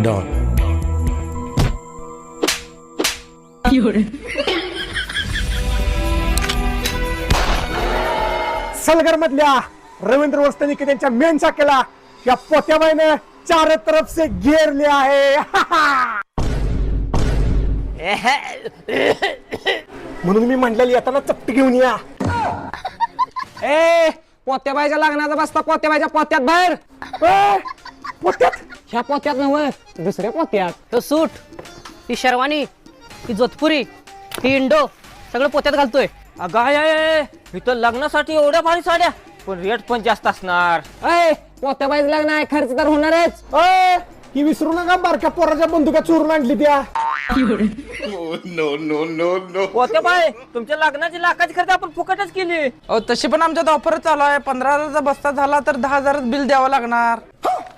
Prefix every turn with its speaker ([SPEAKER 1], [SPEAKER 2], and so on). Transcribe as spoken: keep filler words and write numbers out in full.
[SPEAKER 1] Don.
[SPEAKER 2] Salgar मधल्या रवींद्र वस्तनिक त्यांच्या main शाखेला या पोत्याबाईने चार तरफ से घेर लिया आहे. म्हणून मी म्हटलेली येताना चपटी घेऊन या.
[SPEAKER 3] ए पोत्याबाईच्या लग्नाचा बसता पोत्याबाईच्या पोत्यात बाहेर.
[SPEAKER 2] ए, पोत्यात
[SPEAKER 3] ह्या पोत्यात नव्हे दुसऱ्या पोत्यात.
[SPEAKER 4] तो सूट, ती शेरवानी, ती जोधपुरी, ती इंडो सगळं पोत्यात घालतोय.
[SPEAKER 5] अगं आय आय आय, इथं लग्नासाठी एवढ्या भारी साड्या, पण रेट पण जास्त असणार.
[SPEAKER 3] ए पोत्याबाईचं लग्न आहे, खर्च तर होणारच.
[SPEAKER 2] ए, ही विसरू नका बारक्या पोराच्या बंदुका चोरून आणली त्या.
[SPEAKER 5] होते बाय, तुमच्या लग्नाची लाखाची खर्च आपण फुकटच केली.
[SPEAKER 6] तशी पण आमच्यात ऑफर चालू आहे. पंधरा हजारचा बस्ता झाला तर दहा हजारच बिल द्यावं लागणार.